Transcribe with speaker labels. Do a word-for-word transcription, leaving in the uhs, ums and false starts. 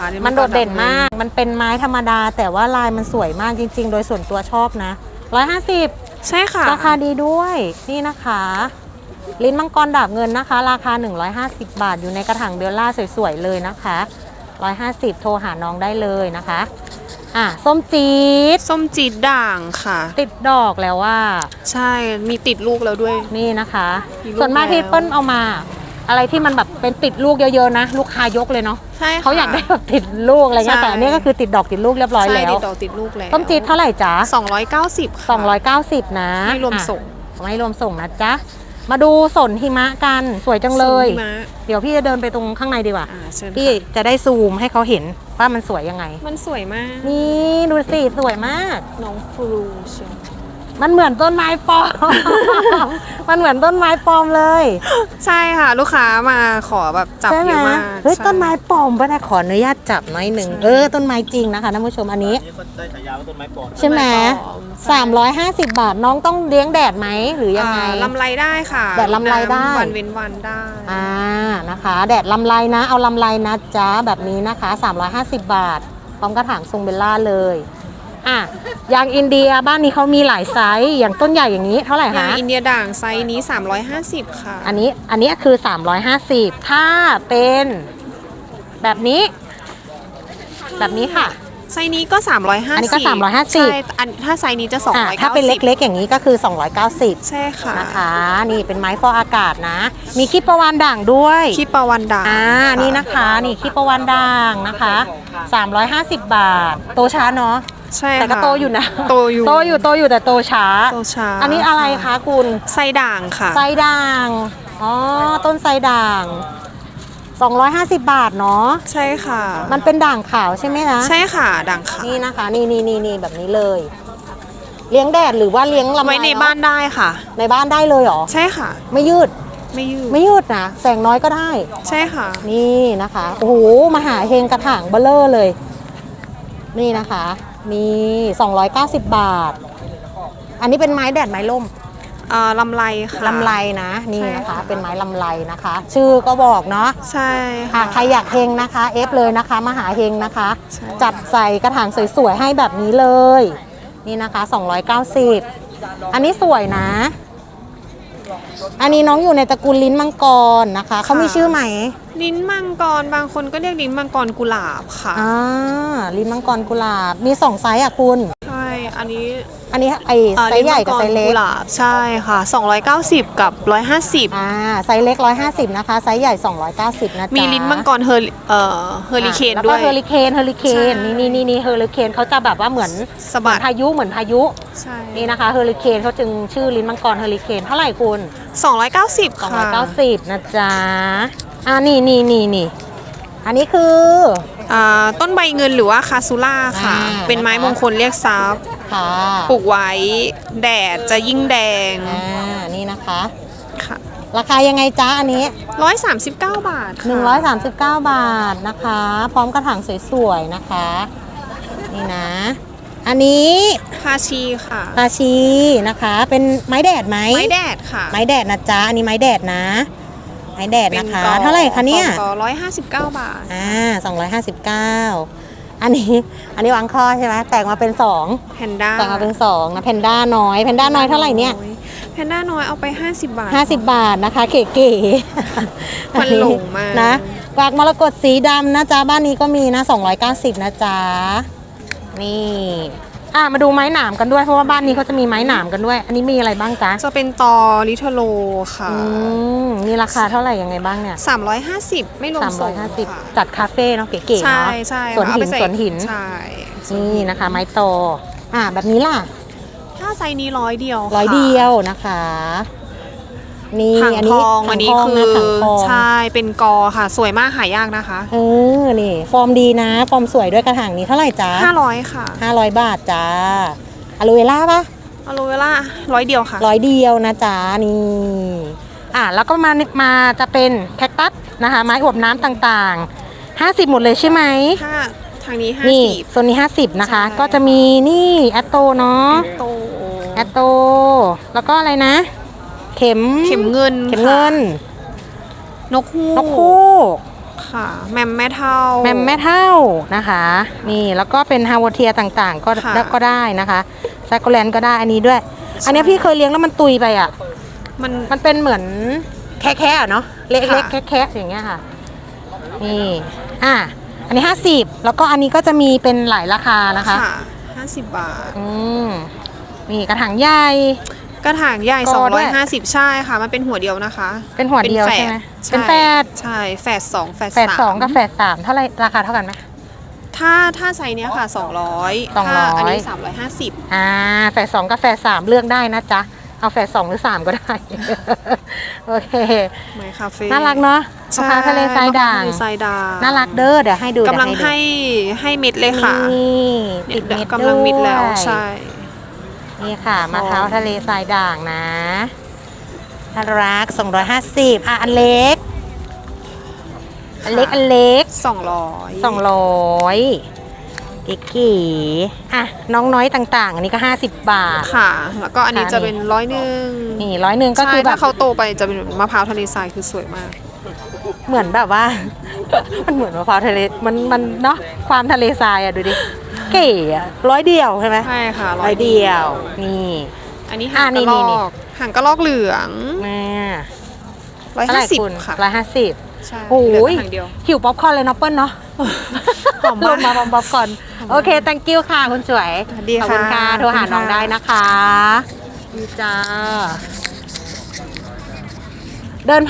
Speaker 1: ค่ะ
Speaker 2: มันโดดเด่นมากมันเป็นไม้ธรรมดาแต่ว่าลายมันสวยมากจริงๆโดยส่วนตัวชอบนะร้อยห้าสิบ
Speaker 1: ใช่ค่ะ
Speaker 2: ราคาดีด้วยนี่นะคะลิ้นมังกรดาบเงินนะคะราคาหนึ่งร้อยห้าสิบบาทอยู่ในกระถางเบลล่าสวยๆเลยนะคะหนึ่งร้อยห้าสิบโทรหาน้องได้เลยนะคะอ่ะส้มจี๊ด
Speaker 1: ส้มจี๊ดด่างค่ะ
Speaker 2: ติดดอกแล้วว่า
Speaker 1: ใช่มีติดลูกแล้วด้วย
Speaker 2: นี่นะคะส่วนมากที่เปิ้ลเอามาอะไรที่มันแบบเป็นติดลูกเยอะๆนะลูกค้ายกเลยเนาะ
Speaker 1: ใช่ค่ะ
Speaker 2: เขาอยากได้แบบติดลูกอะไรเงี้ยแต่อันนี้ก็คือติดดอกติดลูกเรียบร้อยแล้ว
Speaker 1: ใช่ติดดอกติดลูกแล้ว
Speaker 2: ส้มจี๊ดเท่าไหร่จ๊ะ
Speaker 1: สองร้อยเก้าสิบค่ะ
Speaker 2: สองร้อยเก้าสิบนะ
Speaker 1: ไม่รวมส่ง
Speaker 2: ไม่รวมส่งนะจ๊ะมาดูสนหิมะกันสวยจังเลยเดี๋ยวพี่จะเดินไปตรงข้างในดีกว่าพี่จะได้ซูมให้เขาเห็นว่ามันสวยยังไง
Speaker 1: มันสวยมาก
Speaker 2: นี่ดูสิสวยมาก
Speaker 1: น้องฟลูเชียว
Speaker 2: มันเหมือนต้นไม้ปลอม มันเหมือนต้นไม้ปลอมเลย
Speaker 1: ใช่ค่ะลูกค้ามาขอแบบจับเยอะมาก
Speaker 2: เฮ้ยต้นไม้ปลอมป่ะนะขออนุญาตจับหน่อยหนึ่งเออต้นไม้จริงนะคะท่านผู้ชมอันนี้ใช่ไหมสามร้อยห้าสิบบาทน้องต้องเลี้ยงแดดไหมหรือยังไง
Speaker 1: ลำไรได้ค่ะ
Speaker 2: แดดลำไรได้
Speaker 1: วันเว้นวันได้
Speaker 2: อ่านะคะแดดลำไรนะเอาลำไรนะจ๊ะแบบนี้นะคะสามร้อยห้าสิบบาทพร้อมกระถางทรงเบลล่าเลยอ่ะยางอินเดียบ้านนี้เขามีหลายไซส์อย่างต้นใหญ่อย่างนี้เท่าไหร่คะ
Speaker 1: ยางอินเดียด่างไซส์นี้สามร้อยห้าสิบค่ะ
Speaker 2: อันนี้อันนี้คือสามร้อยห้าสิบถ้าเป็นแบบนี้แบบนี้ค่ะ
Speaker 1: ไซส์นี้ก็สามร้อยห้าสิบ
Speaker 2: อันนี้ก็สามร้อยห้าสิบ
Speaker 1: ใช่อันถ้าไซส์นี้จะสองร้อยเก้าสิบ
Speaker 2: ถ้าเป็นเล็กๆอย่างนี้ก็คือสองร้อยเก้าสิบ
Speaker 1: ใช่ค่ะ
Speaker 2: นะคะนี่เป็นไม้ฟอกอากาศนะมีขี้ประวานด่างด้วย
Speaker 1: ขี้ประวานด่าง
Speaker 2: อ่านี่นะคะนี่ขี้ประวานด่างนะคะสามร้อยห้าสิบบาทโตช้าเนาะ
Speaker 1: ใช่
Speaker 2: แต่ก็โตอยู่นะ
Speaker 1: โตอยู่
Speaker 2: โตอยู่โตอยู่แต่โตช้า
Speaker 1: โตช้า
Speaker 2: อันนี้อะไรคะคุณ
Speaker 1: ไซด่างค่ะ
Speaker 2: ไซด่างอ๋อต้นไซด่างสองร้อยห้าสิบบาทเนาะ
Speaker 1: ใช่ค่ะ
Speaker 2: มันเป็นด่างขาวใช่ไหมคะ
Speaker 1: ใช่ค่ะด่างขาว
Speaker 2: นี่นะคะนี่นี่นี่นี่แบบนี้เลยเลี้ยงแดดหรือว่าเลี้ยงลำไร
Speaker 1: ไว้ในบ้านได้ค่ะ
Speaker 2: ในบ้านได้เลยเหรอ
Speaker 1: ใช่ค่ะ
Speaker 2: ไม่ยืด
Speaker 1: ไม่ยืด
Speaker 2: ไม่ยืดนะแสงน้อยก็ได้
Speaker 1: ใช่ค่ะ
Speaker 2: นี่นะคะโอ้โหมหาเฮงกระถางเบลเลอร์เลยนี่นะคะนี่สองร้อยเก้าสิบบาทอันนี้เป็นไม้แดดไม้ล่ม
Speaker 1: อ่าลำไรค่ะ
Speaker 2: ลำไรนะนี่นะคะเป็นไม้ลำไรนะคะ ชื่อก็บอกเนาะ
Speaker 1: ใช่
Speaker 2: ค่ะใครอยากเฮงนะคะเอฟเลยนะคะมหาเฮงนะคะจัดใส่กระถางสวยๆให้แบบนี้เลยนี่นะคะสองร้อยเก้าสิบอันนี้สวยนะอันนี้น้องอยู่ในตระกูลลิ้นมังกรนะคะเขามีชื่อไหม
Speaker 1: ลิ้นมังกรบางคนก็เรียกลิ้นมังกรกุหลาบค่ะ
Speaker 2: อ่าลิ้นมังกรกุหลาบมีสองไซส์อ่ะคุณ
Speaker 1: ใช่อันนี้
Speaker 2: อันนี้ไอไซส์ใหญ่กับไซส์เล็ก
Speaker 1: ใช่ค่ะสองร้อยเก้าสิบกับหนึ่งร้อยห้าสิบ
Speaker 2: อ่าไซส์เล็กหนึ่งร้อยห้าสิบนะคะไซส์ใหญ่สองร้อยเก้าสิบนะจ๊ะ
Speaker 1: มีลิ้นมังกรเฮอร์เอ่อเฮอริเคนด้วย
Speaker 2: แล้วก็เฮอริเคนเฮอริเคนนี่นี่นี่นี่เฮอริเคนเขาจะแบบว่าเหมือน
Speaker 1: สะบัด
Speaker 2: พายุเหมือนพายุ
Speaker 1: ใช่
Speaker 2: นี่นะคะเฮอริเคนเขาจึงชื่อลิ้นมังกรเฮอริเคนเท่าไหร่คุณ
Speaker 1: สองร้อยเก้าสิบค่ะ
Speaker 2: สองร้อยเก้าสิบนะจ๊ะอ่านี่นี่นี่นี่อันนี้คือ
Speaker 1: อ่าต้นใบเงินหรือว่าคาซูล่าค่ะเป็นไม้มงคลเรียกทรัพย์ปลูกไว้แดดจะยิ่งแดง
Speaker 2: อ่านี่นะคะ
Speaker 1: ค่ะ
Speaker 2: ราคายังไงจ๊ะอันนี้
Speaker 1: ร้อยสามสิบเก้าบาท
Speaker 2: หนึ่งร้อยสามสิบเก้าบาทนะคะพร้อมกระถางสวยๆนะคะนี่นะอันนี้
Speaker 1: คาชีค่ะ
Speaker 2: คาชีนะคะเป็นไม้แดดไหม
Speaker 1: ไม้แดดค่ะ
Speaker 2: ไม้แดดนะจ๊ะอันนี้ไม้แดดนะไม้แดดนะคะเท่าไหร่คะเนี่ย
Speaker 1: ร้อยห้าสิบเก้าบาท
Speaker 2: อ่าสองร้อยห้าสิบเก้าอันนี้อันนี้วางข้อใช่ไหมแตกมาเป็นสอง
Speaker 1: แพนด้า
Speaker 2: แตกมาเป็นสองนะแพนด้าน้อยแพนด้าน้อยเท่าไหร่เนี่ย
Speaker 1: แพนด้าน้อยเอาไปห้าสิบบาท
Speaker 2: ห้าสิบบาทนะคะเก๋ๆ
Speaker 1: มันหลงมาก
Speaker 2: นะกวากมรกตสีดำนะจ๊ะบ้านนี้ก็มีนะสองร้อยเก้าสิบนะจ๊ะนี่อ่ะมาดูไม้หนามกันด้วยเพราะว่าบ้านนี้เขาจะมีไม้หนามกันด้วยอันนี้มีอะไรบ้างจ๊ะ
Speaker 1: จะเป็นตอลิทโลค่ะ
Speaker 2: อืมมีราคาเท่าไหร่ยังไงบ้างเนี่ย
Speaker 1: สามร้อยห้าสิบไม่รวมส่ง
Speaker 2: จัดคาเฟ่เนาะเก๋ๆเนาะ
Speaker 1: ใช่
Speaker 2: สวนหินสวนหิน
Speaker 1: ใช่
Speaker 2: นี่นะคะไม้โตอ่ะแบบนี้ล่ะ
Speaker 1: ถ้าไซส์นี้ร้อยเดียว
Speaker 2: ร้อยเดียวนะคะนี่
Speaker 1: อันนี้อันนี้คือใช่เป็นกอค่ะสวยมากหายากนะคะ
Speaker 2: เออนี่ฟอร์มดีนะฟอร์มสวยด้วยกระถางนี้เท่าไหร่จ๊ะ
Speaker 1: ห้าร้อยค่ะ
Speaker 2: ห้าร้อยบาทจ้าอะโลเวล่าปะ
Speaker 1: อะโลเวล่าร้อยเดียวค่ะ
Speaker 2: ร้อยเดียวนะจ๊ะนี่อ่ะแล้วก็มามาจะเป็นแคคตัสนะคะไม้อวบน้ำต่างๆห้าสิบหมดเลยใช่ไหม
Speaker 1: ค่ะทางนี้ห้า
Speaker 2: สิ
Speaker 1: บ
Speaker 2: โซนนี้ห้าสิบนะคะก็จะมีนี่แอตโตเนาะแอตโตแล้วก็อะไรนะเข็ม
Speaker 1: เข็มเงิน
Speaker 2: เข็มเงิน
Speaker 1: นกฮูก
Speaker 2: นกฮูก
Speaker 1: ค่ะ แมมแม่เท่า
Speaker 2: แมมแม่เท่านะคะ นี่แล้วก็เป็นฮาวเทียต่างๆ ก็
Speaker 1: ค่ะ
Speaker 2: ก็ได้นะคะแซกโกแลนก็ได้อันนี้ด้วย อันนี้พี่เคยเลี้ยงแล้วมันตุยไปอ่ะ
Speaker 1: มัน
Speaker 2: มันเป็นเหมือนแค่ๆอะเนาะเล็ก
Speaker 1: ค่ะ
Speaker 2: ๆแค่ๆอย่างเงี้ยค่ะนี่อ่ะอันนี้ห้าสิบแล้วก็อันนี้ก็จะมีเป็นหลายราคานะคะ
Speaker 1: ค่ะห้าสิบบาท
Speaker 2: อืมนี่กระถางใหญ่
Speaker 1: กระถางใหญ่
Speaker 2: กอด้วย
Speaker 1: สองร้อยห้าสิบใช่ค่ะ มันเป็นหัวเดียวนะคะ
Speaker 2: เป็นหัวเดียว
Speaker 1: แฝ
Speaker 2: ใช่ไหม
Speaker 1: ใช่
Speaker 2: เป็นแฝด
Speaker 1: ใช่แฝดสองแฝด
Speaker 2: แฝด
Speaker 1: สาม
Speaker 2: สองกับแฝดสามเท่าไหรราคาเท่ากันไหม
Speaker 1: ถ้าถ้าไซส์เนี้ยค่ะสองร้อย
Speaker 2: สองร้อย
Speaker 1: ถ้าอันนี้สามร้อยห้าสิบ
Speaker 2: อ่าแฝดสองกับแฝดสามเลือกได้นะจ๊ะเอาแฝดสองหรือสามก็ได้ โอเค
Speaker 1: ไมคาเฟ่
Speaker 2: น่ารักเนาะมะพร้าวทะเลทรายด่าง
Speaker 1: มะพร้วทะเลทรายด่าง
Speaker 2: น่ารักเด้อเดี๋ยวให้ดู
Speaker 1: กำลัง
Speaker 2: เดี๋ยว
Speaker 1: ให้ให้เม็ดเลยค่ะ
Speaker 2: นี่ติด
Speaker 1: เนี่ย
Speaker 2: เม็ด
Speaker 1: กำลังมิดแล้ว
Speaker 2: ด้วย
Speaker 1: ใช่
Speaker 2: นี่ค่ะมะพร้าวทะเลทรายด่างนะน่ารักสองร้อยห้าสิบอ่ะอันเล็ก อันเล็กอันเล็ก
Speaker 1: สองร้อย
Speaker 2: สองร้อยเก๋ๆอ่ะน้องน้อยต่างๆ อันนี้ก็ห้าสิบบาท
Speaker 1: ค่ะ แล้วก็อันนี้
Speaker 2: ค่ะ
Speaker 1: จะเป็นร้อยหนึ่ง
Speaker 2: นี่ร้อยหนึ่งก็
Speaker 1: ใช่
Speaker 2: คือแบ
Speaker 1: ถ้า
Speaker 2: บ
Speaker 1: เขาโตไปจะเป็นมะพร้าวทะเลทรายคือสวยมาก
Speaker 2: เหมือนแบบว่า มันเหมือนมะพร้าวทะเลมันมันเนาะความทะเลทรายอ่ะดูดิเก๋อะร้อยเดียวใช่ไหม
Speaker 1: ใช่ค่ะ
Speaker 2: ร้อยเดียวนี่
Speaker 1: อันนี้
Speaker 2: อ่า
Speaker 1: หางก
Speaker 2: นี่
Speaker 1: ระล
Speaker 2: นี่
Speaker 1: อ
Speaker 2: นี่
Speaker 1: กหางกระลอกเหลือง
Speaker 2: แม่
Speaker 1: ร้อย
Speaker 2: เท่าไห
Speaker 1: ห้า
Speaker 2: ร่
Speaker 1: สิบ
Speaker 2: คุณ
Speaker 1: ค่ะ
Speaker 2: ร้อยห้าสิบ
Speaker 1: ใช่
Speaker 2: โอ้
Speaker 1: เหลือย หางเดียว
Speaker 2: หิวป๊อปคอร์นเลยเนาะเปิ้ลเนาะ
Speaker 1: หอมมาก
Speaker 2: ลงมาป๊อปคอร์นโอเค thank you ค่ะคุณสวย
Speaker 1: สวัสดี
Speaker 2: ขอบคุณ
Speaker 1: ค่ะ
Speaker 2: ค่ะโทรหา
Speaker 1: ขอบคุณ
Speaker 2: น้อง
Speaker 1: ค่ะ
Speaker 2: ได้นะคะดีจ้า